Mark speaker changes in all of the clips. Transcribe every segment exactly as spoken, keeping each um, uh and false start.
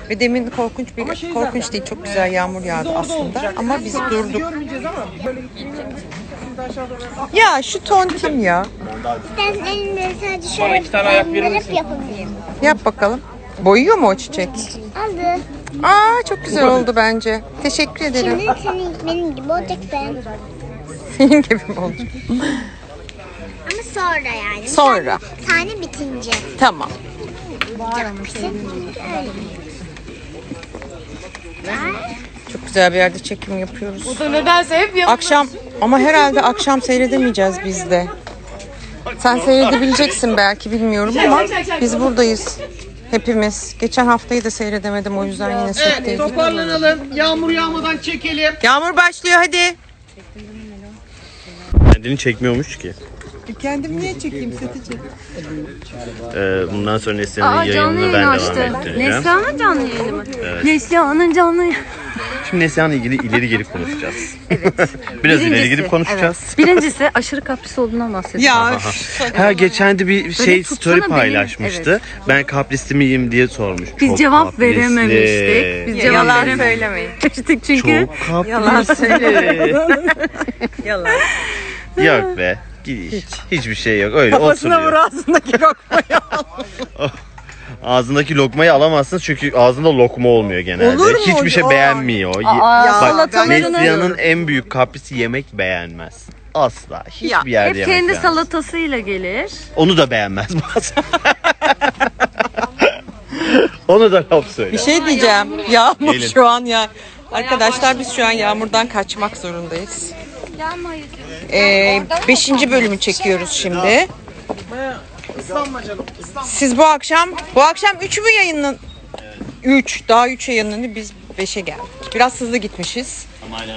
Speaker 1: Ve demin korkunç bir
Speaker 2: şey
Speaker 1: korkunç
Speaker 2: zaten,
Speaker 1: değil, çok güzel yağmur yağdı aslında ama biz durduk.
Speaker 2: Görmeyeceğiz ama böyle şimdi aşağı doğru.
Speaker 1: Ya şu tontim ya.
Speaker 3: Ben elimde sadece şöyle
Speaker 4: iki tane ayak verir
Speaker 3: bandırıp
Speaker 4: misin?
Speaker 3: yapabilirim.
Speaker 1: Yap bakalım. Boyuyor mu o çiçek?
Speaker 3: Aldı.
Speaker 1: Aa, çok güzel oldu bence. Teşekkür ederim.
Speaker 3: Şimdi senin benim gibi olacak ben.
Speaker 1: Senin gibi mi olacak?
Speaker 3: Ama sonra yani.
Speaker 1: Sonra.
Speaker 3: Bir tane, tane bitince.
Speaker 1: Tamam. Çok güzel bir yerde çekim yapıyoruz.
Speaker 5: O da nedense hep yapıyor.
Speaker 1: Akşam ama herhalde akşam seyredemeyeceğiz biz de. Sen seyredebileceksin belki, bilmiyorum ama biz buradayız. Hepimiz. Geçen haftayı da seyredemedim, o yüzden yine
Speaker 2: Evet,
Speaker 1: setteydik.
Speaker 2: toparlanalım. Yağmur yağmadan çekelim.
Speaker 1: Yağmur başlıyor, hadi.
Speaker 4: Kendini çekmiyormuş ki.
Speaker 1: Kendim niye çekeyim, seti çek.
Speaker 4: Ee, bundan sonra Neslihan'ın
Speaker 5: Aa, canlı
Speaker 4: yayınını
Speaker 5: yayın
Speaker 4: ben devam
Speaker 5: açtı.
Speaker 4: ettireceğim.
Speaker 5: Neslihan'ın canlı yayını mı? Neslihan'ın canlı yayını.
Speaker 4: Şimdi Neslihan'la ilgili ileri geri konuşacağız. Evet. Biraz ileri geri konuşacağız.
Speaker 5: Evet. Birincisi aşırı kapris olduğundan bahsediyor.
Speaker 1: Ya
Speaker 4: Ha, geçen de bir şey
Speaker 5: tutsana
Speaker 4: story
Speaker 5: beni.
Speaker 4: paylaşmıştı.
Speaker 5: Evet.
Speaker 4: Ben kaprisli miyim diye sormuş.
Speaker 5: Biz
Speaker 4: Çok
Speaker 5: cevap
Speaker 4: kaprisli.
Speaker 5: verememiştik. Biz cevap
Speaker 1: yalan
Speaker 5: verememiştik
Speaker 1: söylemeyin.
Speaker 5: çünkü.
Speaker 4: Çok
Speaker 1: Yalan
Speaker 4: kaprisli.
Speaker 1: Yalan.
Speaker 4: Yok be. Hiç. Hiçbir şey yok. Öyle
Speaker 1: Kafasına vur,
Speaker 4: oturuyor.
Speaker 1: ağzındaki lokmayı.
Speaker 4: Ağzındaki lokmayı alamazsın çünkü ağzında lokma olmuyor genelde.
Speaker 1: Olur mu?
Speaker 4: Hiçbir şey
Speaker 1: Aa.
Speaker 4: beğenmiyor. Ye-
Speaker 5: Aa,
Speaker 4: Bak,
Speaker 5: salatalarını-
Speaker 4: Neslihan'ın en büyük kaprisi yemek beğenmez. Asla. Hiçbir
Speaker 1: Ya,
Speaker 4: yerde
Speaker 5: Hep
Speaker 4: yemek
Speaker 5: kendi
Speaker 4: beğenmez.
Speaker 5: salatasıyla gelir.
Speaker 4: Onu da beğenmez bazen. Onu da laf söyle.
Speaker 1: Bir şey diyeceğim. Yağmur
Speaker 4: Gelin.
Speaker 1: şu an ya. Arkadaşlar biz şu an yağmurdan kaçmak zorundayız. Ee, beşinci bölümü çekiyoruz şimdi.
Speaker 2: Islanma canım. Islanma.
Speaker 1: Siz bu akşam, bu akşam üç mü yayınlan? üç. Daha üç yayınlandı. Biz beşe geldik. Biraz hızlı gitmişiz.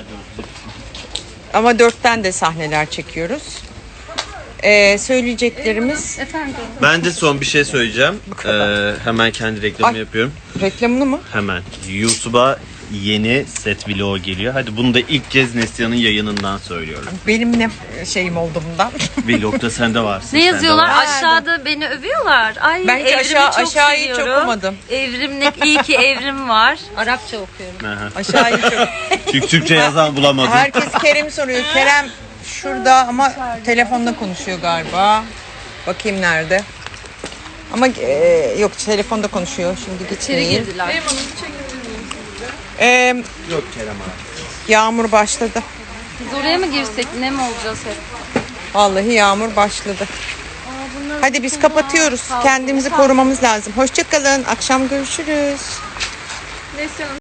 Speaker 1: Ama dörtten de sahneler çekiyoruz. Ee, söyleyeceklerimiz
Speaker 4: Ben de son bir şey söyleyeceğim. Ee, hemen kendi reklamımı
Speaker 1: Ay.
Speaker 4: yapıyorum.
Speaker 1: reklamını mı?
Speaker 4: Hemen. YouTube'a yeni set vlog geliyor. Hadi bunu da ilk kez Neslihan'ın yayınından söylüyorum.
Speaker 1: Benim ne şeyim oldu bundan.
Speaker 4: Vlogda sen de varsın.
Speaker 5: Ne
Speaker 4: sen de
Speaker 5: yazıyorlar?
Speaker 4: varsın.
Speaker 5: Aşağıda beni övüyorlar. Ay
Speaker 1: Ben hiç
Speaker 5: evrimi
Speaker 1: aşağı-
Speaker 5: çok
Speaker 1: aşağıyı hiç
Speaker 5: seviyorum.
Speaker 1: okumadım.
Speaker 5: Evrimlik iyi ki evrim var. Arapça okuyorum.
Speaker 4: Aha.
Speaker 1: Aşağıya çok.
Speaker 4: Çünkü Türkçe yazan bulamadım.
Speaker 1: Herkes Kerem soruyor. Kerem şurada ama telefonla konuşuyor galiba. Bakayım nerede. Ama e, yok, telefonda konuşuyor. Şimdi
Speaker 5: İçeri
Speaker 1: geçeyim.
Speaker 5: girdiler.
Speaker 1: Ee,
Speaker 4: Yok Kerem abi.
Speaker 1: yağmur başladı.
Speaker 5: Biz oraya mı girsek? Ne mi olacağız hep?
Speaker 1: Vallahi yağmur başladı. Hadi biz kapatıyoruz. Kendimizi korumamız lazım. Hoşça kalın. Akşam görüşürüz.